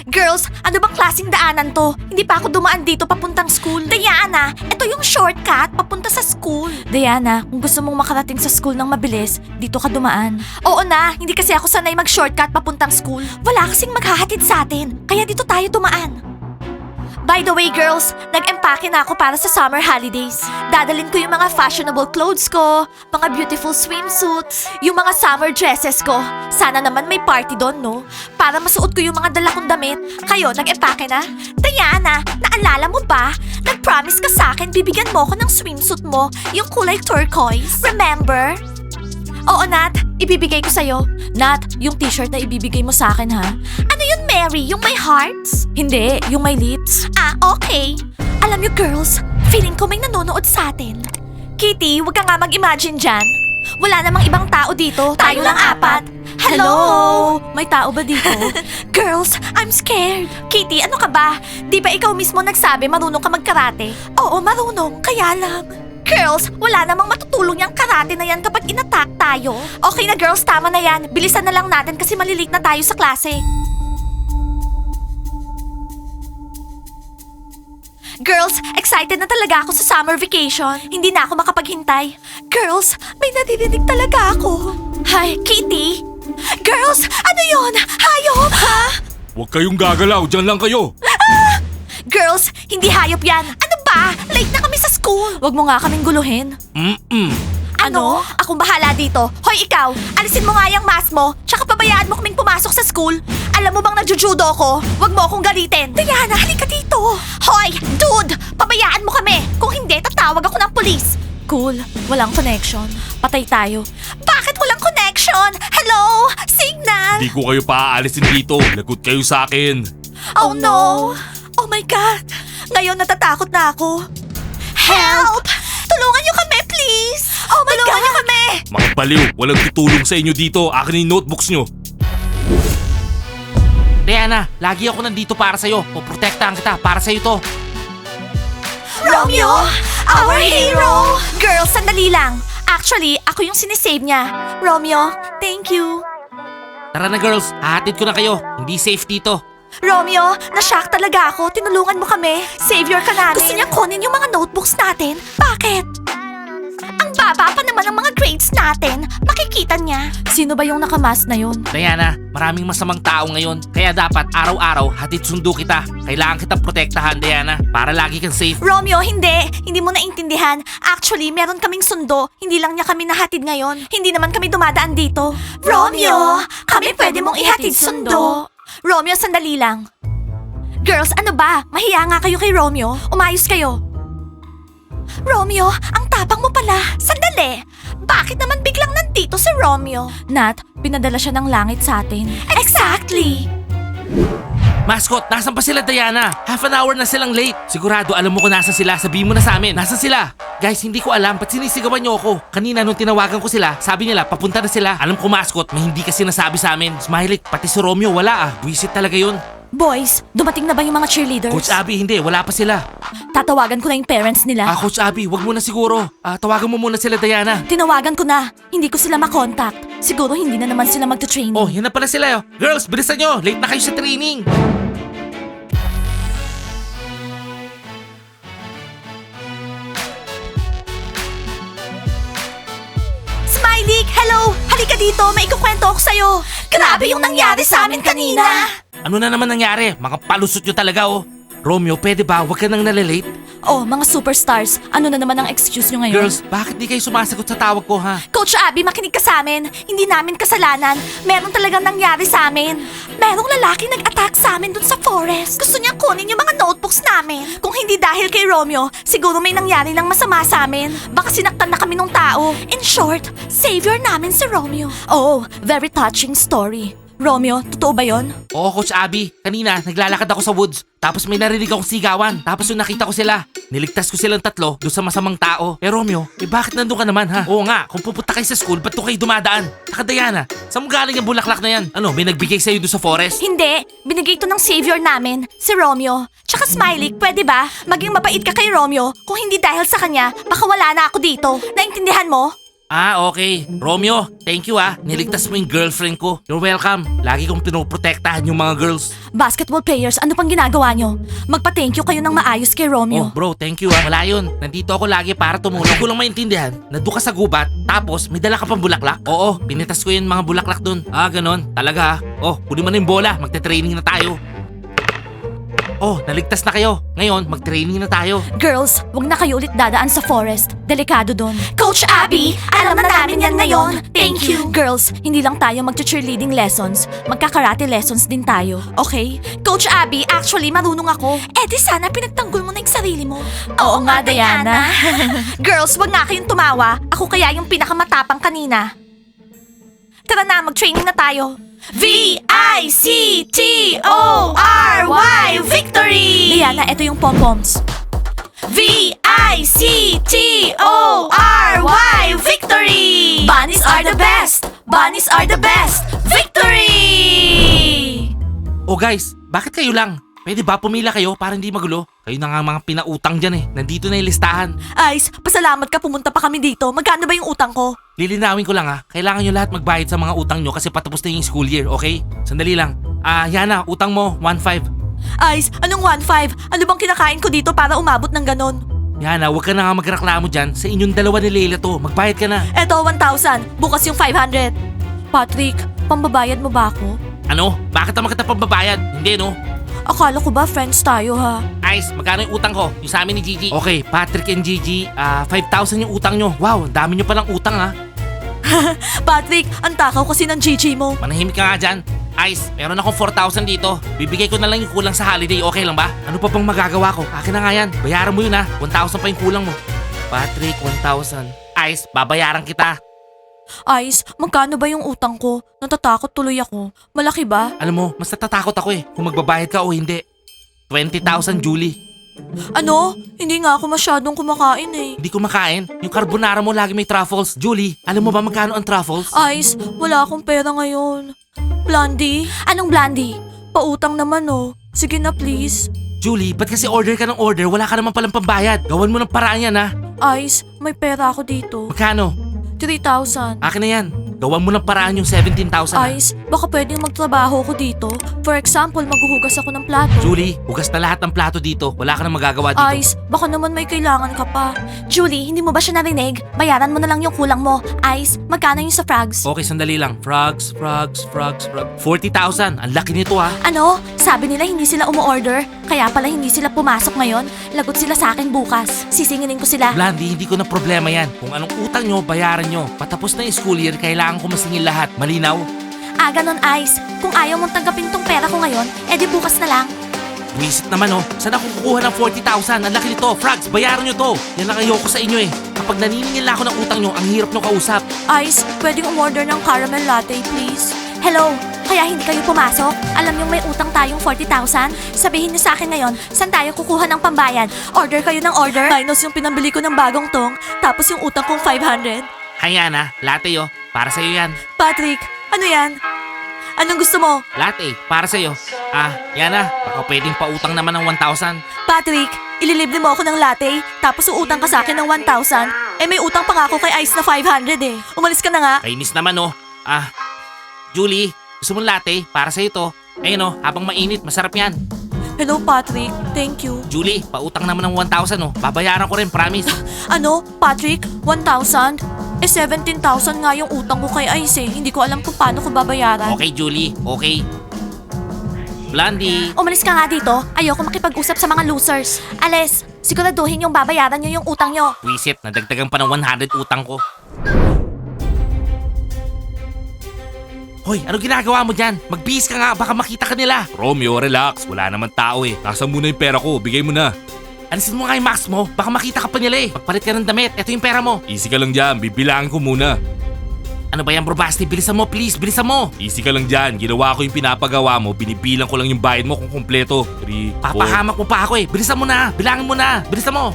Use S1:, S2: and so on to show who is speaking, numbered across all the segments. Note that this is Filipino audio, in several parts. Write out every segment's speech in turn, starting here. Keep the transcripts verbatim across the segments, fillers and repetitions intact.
S1: Girls, ano bang klaseng daanan to? Hindi pa ako dumaan dito papuntang school. Diana, ito yung shortcut papunta sa school. Diana, kung gusto mong makarating sa school ng mabilis, dito ka dumaan. Oo na, hindi kasi ako sanay mag-shortcut papuntang school. Wala kasing maghahatid sa atin, kaya dito tayo dumaan. By the way, girls, nag-empake na ako para sa summer holidays. Dadalin ko yung mga fashionable clothes ko, mga beautiful swimsuits, yung mga summer dresses ko. Sana naman may party doon, no? Para masuot ko yung mga dala kong damit. Kayo, nag-empake na? Diana, naalala mo ba? Nag-promise ka sa akin, bibigyan mo ko ng swimsuit mo, yung kulay turquoise. Remember? Oo, Nat. Ibibigay ko sa'yo. Nat, yung t-shirt na ibibigay mo sa akin, ha? Ano yun, Mary? Yung may hearts? Hindi, yung may lips. Ah, okay. Alam niyo, girls, feeling ko may nanonood sa atin. Kitty, wag ka nga mag-imagine dyan. Wala namang ibang tao dito. Tayo, lang apat. Hello? May tao ba dito? Girls, I'm scared. Kitty, ano ka ba? Di ba ikaw mismo nagsabi marunong ka magkarate? Oo, marunong. Kaya lang. Girls, wala namang matutulong yung karate na yan kapag inattack tayo. Okay na girls, tama na yan. Bilisan na lang natin kasi malilit na tayo sa klase. Girls, excited na talaga ako sa summer vacation. Hindi na ako makapaghintay. Girls, may naririnig talaga ako. Hi, Kitty? Girls, ano yon? Hayop? Ha?
S2: Huwag kayong gagalaw, dyan lang kayo.
S1: Girls, hindi hayop yan. Ano ba? Late na kami sa school. Wag mo nga kaming guluhin.
S2: Mm-mm.
S1: Ano? Akong bahala dito. Hoy, ikaw, alisin mo nga yung mask mo, tsaka pabayaan mo kaming pumasok sa school. Alam mo bang nagjujudo ko? Wag mo akong galitin. Diana, halika dito. Hoy, dude, pabayaan mo kami. Kung hindi, tatawag ako ng polis. Cool, walang connection. Patay tayo. Bakit walang connection? Hello? Signal?
S2: Hindi ko kayo paaalisin dito. Lagot kayo sa akin.
S1: Oh no! Oh my God! Ngayon natatakot na ako. Help! Tulungan niyo kami, please! Oh my Tulungan God! niyo kami!
S2: Mga baliw, walang tutulong sa inyo dito. Akin yung notebooks nyo.
S3: Diana, lagi ako nandito para sa'yo. Poprotektahan kita, para sa'yo to.
S1: Romeo! Our hero! Girls, sandali lang. Actually, ako yung sinisave niya. Romeo, thank you.
S3: Tara na girls, hahatid ko na kayo. Hindi safe dito.
S1: Romeo, na-shock talaga ako. Tinulungan mo kami. Savior ka namin. Gusto niya kunin yung mga notebooks natin. Bakit? Ang baba pa naman ng mga grades natin. Makikita niya. Sino ba yung nakamask na yun?
S3: Diana, maraming masamang tao ngayon. Kaya dapat araw-araw hatid sundo kita. Kailangan kitang protektahan, Diana, para lagi kang safe.
S1: Romeo, hindi. Hindi mo naintindihan. Actually, meron kaming sundo. Hindi lang niya kami nahatid ngayon. Hindi naman kami dumadaan dito. Romeo, kami pwede mong ihatid sundo. Romeo, sandali lang. Girls, ano ba? Mahiya nga kayo kay Romeo. Umayos kayo. Romeo, ang tapang mo pala. Sandali. Bakit naman biglang nandito si Romeo? Nat, pinadala siya ng langit sa atin. Exactly.
S3: Mascot, nasan pa sila, Diana? Half an hour na silang late. Sigurado alam mo kung nasan sila. Sabihin mo na sa amin. Nasan sila? Guys, hindi ko alam. Ba't sinisigawan niyo ako? Kanina nung tinawagan ko sila, sabi nila papunta na sila. Alam ko, Mascot, may hindi kasi nasabi sa amin. Smiley, pati si Romeo, wala ah. Buisit talaga yun.
S1: Boys, dumating na ba yung mga cheerleaders?
S3: Coach Abby, hindi. Wala pa sila.
S1: Tatawagan ko na yung parents nila.
S3: Ah, Coach Abby, wag mo na siguro. Ah, tawagan mo muna sila, Diana.
S1: Tinawagan ko na. Hindi ko sila makontakt. Siguro hindi na naman sila magta-training.
S3: Oh, yan na pala sila. Oh. Girls, bilisan nyo. Late na kayo sa training.
S1: Smiley, hello! Halika dito, may ikukwento ako sa'yo. Grabe yung nangyari sa amin kanina.
S3: Ano na naman nangyari? Mga palusot nyo talaga, oh. Romeo, pwede ba? Huwag ka nang nalalate.
S1: Oh, mga superstars, ano na naman ang excuse nyo ngayon?
S3: Girls, bakit di kayo sumasagot sa tawag ko, ha?
S1: Coach Abby, makinig ka sa amin. Hindi namin kasalanan. Meron talagang nangyari sa amin. Merong lalaki nag-attack sa amin dun sa forest. Gusto niya kunin yung mga notebooks namin. Kung hindi dahil kay Romeo, siguro may nangyari ng masama sa amin. Baka sinaktan na kami ng tao. In short, savior namin si Romeo. Oh, very touching story. Romeo, totoo ba yon?
S3: Oo, Coach Abby. Kanina, naglalakad ako sa woods. Tapos may narinig akong sigawan. Tapos yung nakita ko sila. Niligtas ko silang tatlo doon sa masamang tao. Eh Romeo, eh bakit nandun ka naman ha? Oo nga, kung pupunta kayo sa school, ba't doon kayo dumadaan? Saka Diana, saan mo galing yung bulaklak na yan? Ano, may nagbigay sa'yo doon sa forest?
S1: Hindi, binigay to ng savior namin, si Romeo. Tsaka Smiley, pwede ba? Maging mabait ka kay Romeo. Kung hindi dahil sa kanya, baka wala na ako dito. Naintindihan mo?
S3: Ah, okay. Romeo, thank you ah. Niligtas mo yung girlfriend ko. You're welcome. Lagi kong pinoprotektahan yung mga girls.
S1: Basketball players, ano pang ginagawa nyo? Magpa-thank you kayo ng maayos kay
S3: Oh,
S1: Romeo.
S3: bro, thank you ah. Wala yun. Nandito ako lagi para tumulong. Hindi ko lang maintindihan. Nandun ka sa gubat, tapos may dala ka pang bulaklak? Oo, pinitas ko yung mga bulaklak dun. Ah, ganon. Talaga ah. Oh, kunin mo na yung bola. Magte-training na tayo. Oh, naligtas na kayo. Ngayon, mag-training na tayo.
S1: Girls, wag na kayo ulit dadaan sa forest. Delikado doon. Coach Abby, alam na namin yan ngayon. Thank you. Girls, hindi lang tayo mag-cheerleading lessons. Magka-karate lessons din tayo. Okay? Coach Abby, actually marunong ako. Eh di sana pinagtanggol mo na yung sarili mo. Oo, nga, Diana. Girls, wag nga kayong tumawa. Ako kaya yung pinakamatapang kanina. Tara na, mag-training na tayo. V I C T O R Y Victory! Diana, ito yung pom-poms. V I C T O R Y Victory! Bunnies are the best! Bunnies are the best! Victory!
S3: Oh guys, bakit kayo lang? Pwede ba pumila kayo para hindi magulo? Kayo na nga mga pinautang dyan eh. Nandito na yung listahan.
S1: Ice, pasalamat ka pumunta pa kami dito. Magkano ba yung utang ko?
S3: Lilinawin ko lang ah. Kailangan nyo lahat magbayad sa mga utang nyo kasi patapos na yung school year, okay? Sandali lang. Ah, Yana, utang mo, one five.
S1: Ice, anong one five? Ano bang kinakain ko dito para umabot ng ganon?
S3: Yana, huwag ka na nga magreklamo dyan. Sa inyong dalawa ni Leila to. Magbayad ka na.
S1: Eto, one thousand. Bukas yung five hundred. Patrick, pambabayad mo ba ako?
S3: Ano? Bakit naman kita pambabayad? Hindi no?
S1: Akala ko ba friends tayo ha?
S3: Ice, magkano yung utang ko? Yung sa amin ni Gigi. Okay, Patrick and Gigi, ah five thousand yung utang nyo. Wow, ang dami nyo palang utang ha.
S1: Patrick, ang takaw kasi ng Gigi mo.
S3: Manahimik ka nga dyan. Ice, meron akong four thousand dito. Bibigay ko na lang yung kulang sa holiday, okay lang ba? Ano pa bang magagawa ko? Akin na nga yan. Bayaran mo yun ha. one thousand pa yung kulang mo. Patrick, one thousand. Ice, babayaran kita.
S1: Ice, magkano ba yung utang ko? Natatakot tuloy ako. Malaki ba?
S3: Alam mo, mas natatakot ako eh. Kung magbabayad ka o hindi. twenty thousand, Julie.
S1: Ano? Hindi nga ako masyadong kumakain eh.
S3: Hindi ko makain. Yung carbonara mo lagi may truffles. Julie, alam mo ba magkano ang truffles?
S1: Ice, wala akong pera ngayon. Blondie? Anong Blondie? Pautang naman oh. Sige na please.
S3: Julie, ba't kasi order ka ng order? Wala ka naman palang pambayad. Gawan mo ng paraan yan ha.
S1: Ice, may pera ako dito.
S3: Magkano?
S1: three thousand.
S3: Akin na yan. Gawan mo ng paraan yung seventeen thousand. ha?
S1: Ice, baka pwedeng magtrabaho ko dito. For example, maghuhugas ako ng plato.
S3: Julie, hugas na lahat ng plato dito. Wala ka nang magagawa dito.
S1: Ice, baka naman may kailangan ka pa. Julie, hindi mo ba siya narinig? Bayaran mo na lang yung kulang mo. Ice, magkano yung sa frogs?
S3: Okay, sandali lang. Frogs, frogs, frogs, frogs. forty thousand. Ang laki nito ha.
S1: Ano? Sabi nila hindi sila umu-order? Kaya pala hindi sila pumasok ngayon? Lagot sila sa akin bukas. Sisinginin ko sila.
S3: Blandy, hindi ko na problema yan. Kung anong utang nyo, bayaran nyo. Patapos na yung school year, kailangan ko masingil lahat. Malinaw?
S1: Ah, ganon, Ice. Kung ayaw mong tanggapin tong pera ko ngayon, edi bukas na lang.
S3: Buisit naman oh. Saan ako kukuha ng forty thousand? Ang laki nito. Frogs, bayaran nyo to. Yan lang ayoko sa inyo eh. Kapag naniningil na ako ng utang nyo, ang hirap nyo kausap.
S1: Ice, pwedeng umorder ng caramel latte, please? Hello? Kaya hindi kayo pumasok? Alam niyong may utang tayong forty thousand? Sabihin niyo sa akin ngayon, saan tayo kukuha ng pambayad? Order kayo ng order? Minus yung pinambili ko ng bagong tong, tapos yung utang kong five hundred.
S3: Hayana, latte oh. Para sa'yo yan.
S1: Patrick, ano yan? Anong gusto mo?
S3: Latte, para sa'yo. Ah, Yana, baka pwedeng pautang naman ng one thousand.
S1: Patrick, ililibre mo ako ng latte, tapos uutang ka sa akin ng one thousand? Eh may utang pa nga ako kay Ice na five hundred eh. Umalis ka na nga.
S3: Kainis naman oh. Ah, Julie, gusto mong latte? Para sa'yo to. Ayun oh, habang mainit, masarap yan.
S1: Hello Patrick, thank you.
S3: Julie, pautang naman ng one thousand oh. Babayaran ko rin, promise.
S1: Ano? Patrick, one thousand? Eh seventeen thousand nga yung utang ko kay Ice eh. Hindi ko alam kung paano ko babayaran.
S3: Okay, Julie, okay. Blondie.
S1: Umalis ka nga dito. Ayoko makipag-usap sa mga losers. Alis, siguraduhin yung babayaran nyo yung utang nyo.
S3: Wisit, nadagdagan pa ng one hundred utang ko. Hoy, ano ginagawa mo dyan? Magbihis ka nga, baka makita ka nila.
S2: Romeo, relax. Wala naman tao eh. Nasaan muna yung pera ko? Bigay mo na.
S3: Alisin mo nga yung mask mo, baka makita ka pa nila eh. Magpalit ka ng damit, eto yung pera mo.
S2: Easy ka lang dyan. Bibilangin ko muna.
S3: Ano ba yan bro Basti? Bilisan mo please, bilisan mo.
S2: Easy ka lang dyan. Ginawa ko yung pinapagawa mo. Binibilang ko lang yung bayad mo kung kumpleto. three, four.
S3: Papahamak mo pa ako eh. Bilisan mo na, bilangin mo na, bilisan mo.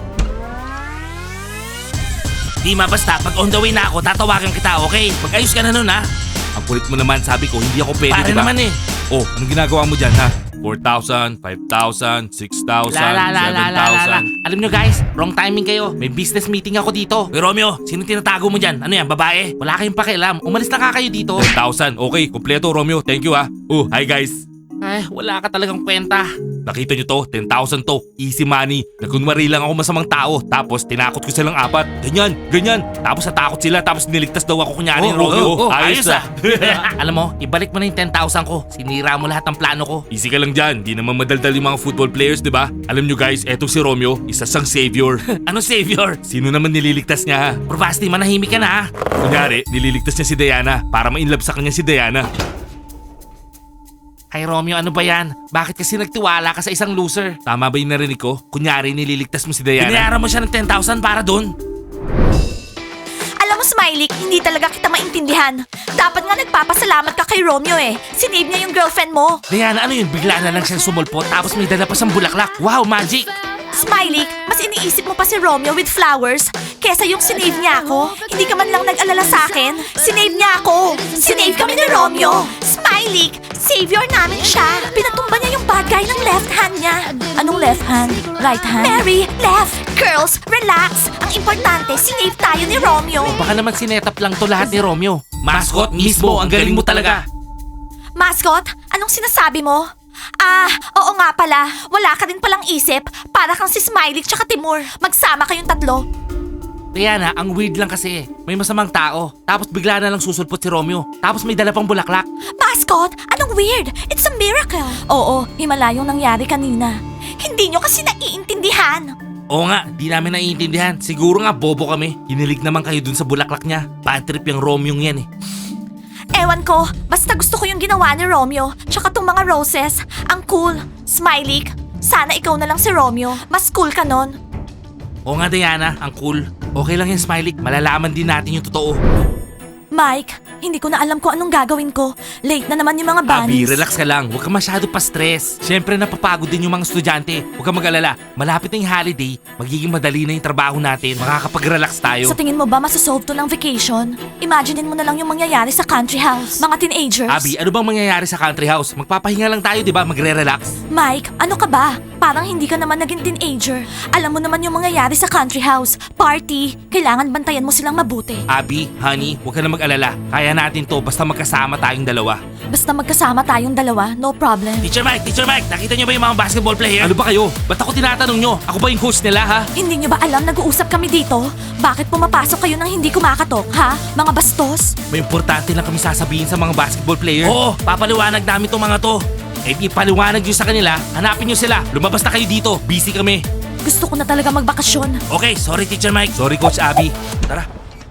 S3: Di ma basta, pag on the way na ako, tatawagan kita, okay? Mag-ayos ka na nun ha.
S2: Ang kulit mo naman, sabi ko, hindi ako pwede,
S3: Pare
S2: diba?
S3: naman eh.
S2: Oh, anong ginagawa mo dyan, ha? four thousand, five thousand, six thousand,
S3: La la la la
S2: seven
S3: la la la.
S2: thousand.
S3: Alam nyo guys, wrong timing kayo. May business meeting ako dito. Hey Romeo, sino tinatago mo dyan? Ano yan, babae? Wala kayong pakialam. Umalis na nga kayo dito.
S2: ten thousand. Okay, kumpleto Romeo. Thank you ha. Oh, hi guys.
S3: Ay, wala ka talagang kwenta.
S2: Nakita nyo to? ten thousand to. Easy money. Nagkunwari lang ako masamang tao. Tapos tinakot ko silang apat. Ganyan, ganyan. Tapos natakot sila. Tapos niligtas daw ako kunyari ni Romeo.
S3: ayos ah. Alam mo, ibalik mo na yung ten thousand ko. Sinira mo lahat ng plano ko.
S2: Easy ka lang dyan. Di naman madaldal yung mga football players, di ba? Alam nyo guys, etong si Romeo, isa siyang savior.
S3: Ano savior?
S2: Sino naman nililigtas niya ha?
S3: Probasti, manahimik ka na ha.
S2: Kunyari, nililigtas niya si Diana para ma-inlove sa kanya si Diana.
S3: Ay Romeo, ano ba yan? Bakit kasi nagtiwala ka sa isang loser?
S2: Tama ba yung narinig ko? Kunyari, nililigtas mo si Diana.
S3: Binayaran mo siya ng ten thousand para dun?
S1: Alam mo, Smiley, hindi talaga kita maintindihan. Dapat nga nagpapasalamat ka kay Romeo eh. Sinave niya yung girlfriend mo.
S3: Diana, ano yun? Bigla na lang siyang sumulpot tapos may dala pa siyang bulaklak. Wow, magic!
S1: Smiley, mas iniisip mo pa si Romeo with flowers kesa yung sinave niya ako. Hindi ka man lang nag-alala sa akin. Sinave niya ako. Sinave kami ni Romeo. Smiley, savior namin siya. Pinatumba niya yung bad guy ng left hand niya. Anong left hand? Right hand? Mary, left. Girls, relax. Ang importante, sinave tayo ni Romeo.
S3: Baka naman sinetap lang to lahat ni Romeo. Mascot, mismo, ang galing mo talaga.
S1: Mascot, anong sinasabi mo? Ah, oo nga pala. Wala ka din palang isip. Para kang si Smiley tsaka Timur. Magsama kayong tatlo.
S3: Diana, ang weird lang kasi. May masamang tao. Tapos bigla na lang susulpot si Romeo. Tapos may dala pang bulaklak.
S1: Mascot, anong weird? It's a miracle. Oo, himala yung nangyari kanina. Hindi nyo kasi naiintindihan.
S3: Oo nga, di namin naiintindihan. Siguro nga bobo kami. Hinilig naman kayo dun sa bulaklak niya. Bad trip yung Romeo yan eh.
S1: Ewan ko, basta gusto ko yung ginawa ni Romeo. Tsaka tong mga roses. Ang cool. Smiley, sana ikaw na lang si Romeo. Mas cool ka nun.
S3: Oo nga Diana, ang cool. Okay lang yan Smiley, malalaman din natin yung totoo.
S1: Mike, hindi ko na alam kung anong gagawin ko. Late na naman yung mga
S3: Abi,
S1: bunnies.
S3: relax ka lang. Huwag ka masyado pa-stress. Siyempre napapagod din yung mga estudyante. Huwag ka mag-alala. Malapit na yung holiday. Magiging madali na yung trabaho natin. Makakapag-relax tayo.
S1: Sa tingin mo ba masasolve to ng vacation? Imaginein mo na lang yung mangyayari sa country house. Mga teenagers.
S3: Abi, ano bang mangyayari sa country house? Magpapahinga lang tayo, di ba? Magre-relax.
S1: Mike, ano ka ba? Parang hindi ka naman naging teenager. Alam mo naman yung mangyayari sa country house. Party. Kailangan bantayan mo silang mabuti.
S3: Abi, honey, huwag ka na mag-alala. Kaya natin to basta magkasama tayong dalawa.
S1: Basta magkasama tayong dalawa, no problem.
S3: Teacher Mike, Teacher Mike, nakita niyo ba yung mga basketball player? Ano ba kayo? Ba't ako tinatanong nyo? Ako ba yung coach nila, ha?
S1: Hindi nyo ba alam nag-uusap kami dito? Bakit pumapasok kayo nang hindi kumakatok, ha? Mga bastos?
S3: May importante lang kami sasabihin sa mga basketball player. Oo, papaliwanag namin tong mga to. Eh di paliwanag nyo sa kanila, hanapin nyo sila. Lumabas na kayo dito, busy kami.
S1: Gusto ko na talaga magbakasyon.
S3: Okay, sorry Teacher Mike. Sorry Coach Abby. Tara.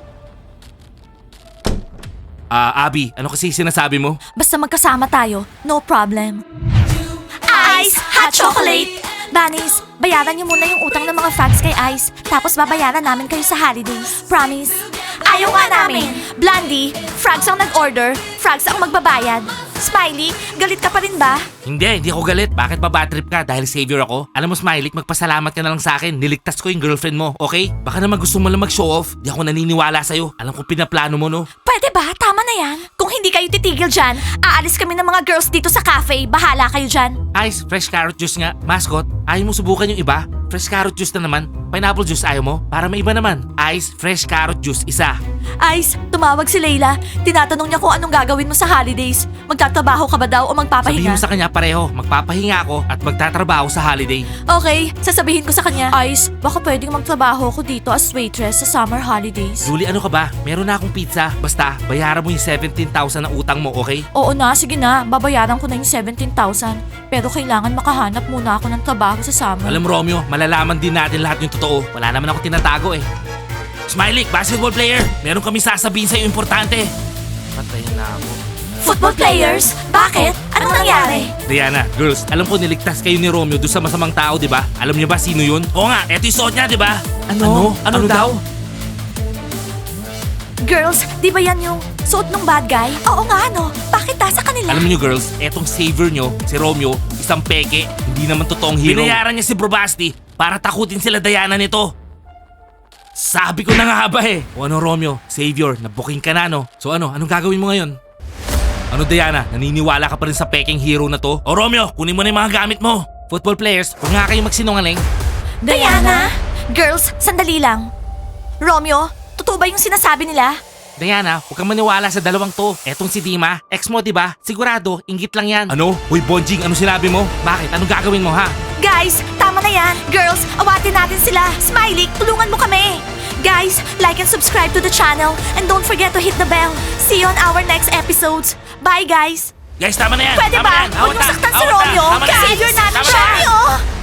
S3: Ah, Abby, ano kasi sinasabi mo?
S1: Basta magkasama tayo, no problem. Ice Hot Chocolate! Bunnies, bayaran niyo muna yung utang ng mga frogs kay Ice. Tapos babayaran namin kayo sa holidays. Promise? Ayaw nga namin. Blondie, frogs ang nag-order, frogs ang magbabayad. Smiley, galit ka pa rin ba?
S3: Hindi, hindi ako galit. Bakit ba bad trip ka dahil savior ako? Alam mo Smiley, magpasalamat ka na lang sa akin. Niligtas ko yung girlfriend mo, okay? Baka naman gusto mo lang mag-show off. Di ako naniniwala sa'yo. Alam ko pinaplano mo, no?
S1: Pwede ba? Tama na yan. Kung hindi kayo titigil dyan, aalis kami ng mga girls dito sa cafe. Bahala kayo dyan.
S3: Ice, fresh carrot juice nga. Mascot, ayaw mo subukan yung iba? Fresh carrot juice na naman. Pineapple juice ayaw mo? Para may iba naman. Ice, fresh carrot juice, isa.
S1: Ice, tumawag si Layla. Tinatanong niya kung anong gagawin mo sa holidays. Magtatrabaho ka ba daw o
S3: Sabihin
S1: magpapahinga?
S3: mo sa kanya pareho. Magpapahinga ako at magtatrabaho sa holiday.
S1: Okay, sasabihin ko sa kanya. Ice, baka pwedeng magtrabaho ko dito as waitress sa summer holidays.
S3: Julie, ano ka ba? Meron na akong pizza. Basta, bayaran mo yung seventeen thousand na utang mo, okay?
S1: Oo na, sige na. Babayaran ko na yung seventeen thousand. Pero kailangan makahanap muna ako ng trabaho sa summer.
S3: Alam mo, Romeo, malalaman din natin lahat yung totoo. Wala naman ako tinatago eh. Smiley, basketball player, meron kami sasabihin sa'yo importante. Patayin na ako.
S1: Football players? Bakit? Anong nangyari?
S3: Diana, girls, alam ko niligtas kayo ni Romeo doon sa masamang tao, di ba? Alam niyo ba sino yun? Oo nga, eto yung suot niya, di ba? Ano? Ano, daw?
S1: Girls, di ba yan yung suot ng bad guy? Oo nga, no? Bakit nasa kanila?
S3: Alam niyo girls, etong savior nyo, si Romeo, isang peke, hindi naman totoong hero. Binayaran niya si Probasti para takutin sila Diana nito. Sabi ko na nga ba eh. O ano Romeo, savior, nabuking ka na no? So ano, anong gagawin mo ngayon?
S2: Ano Diana, naniniwala ka pa rin sa peking hero na to? O Romeo, kunin mo na yung mga gamit mo.
S3: Football players, huwag nga kayong magsinungaling.
S1: Diana? Girls, sandali lang. Romeo, totoo ba yung sinasabi nila?
S3: Diana, huwag kang maniwala sa dalawang to. Etong si Dima, ex mo, di ba? Sigurado, inggit lang yan.
S2: Ano? Hoy Bonjing, ano sinabi mo?
S3: Bakit? Anong gagawin mo, ha?
S1: Guys, tama na yan. Girls, awatin natin sila. Smiley, tulungan mo kami. Guys, like and subscribe to the channel. And don't forget to hit the bell. See you on our next episodes. Bye, guys.
S2: Guys, tama na yan.
S1: Pwede
S2: tama
S1: ba?
S2: na yan.
S1: Huwag
S2: Awat
S1: niyo
S2: na,
S1: saktan si
S2: awat na.
S1: Romeo.
S2: Tama na.
S1: Savior namin
S2: Tama
S1: siya.
S2: na.
S1: Romeo!